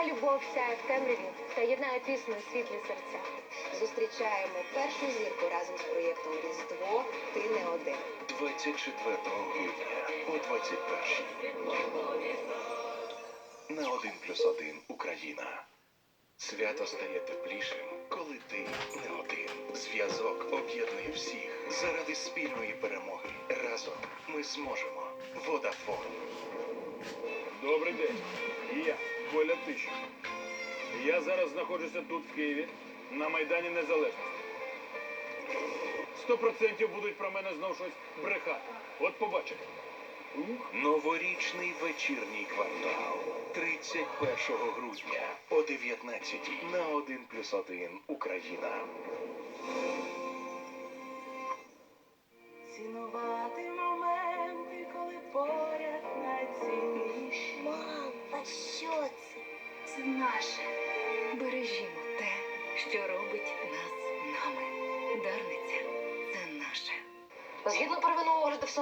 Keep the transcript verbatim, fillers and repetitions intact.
Нехай любов сяє в темряві та єднає тісно і світлі серця. Зустрічаємо першу зірку разом з проєктом «Різдво. Ти не один». двадцять четвертого грудня о двадцять першій. На один плюс один Україна. Свято стає теплішим, коли ти не один. Зв'язок об'єднує всіх заради спільної перемоги. Разом ми зможемо. Водафон. Добрий день. І я, Коля Тищенко. Я зараз знаходжуся тут, в Києві, на Майдані Незалежності. Сто процентів будуть про мене знов щось брехати. От побачите. Ух. Новорічний вечірній квартал. тридцять першого грудня о дев'ятнадцятій на один плюс один Україна. Цінувати моменти, коли поряд найцінніші. Мам, а що це? Це наше. Бережімо те, що робить нас нами. Дарниця – це наше. Згідно первинного огляду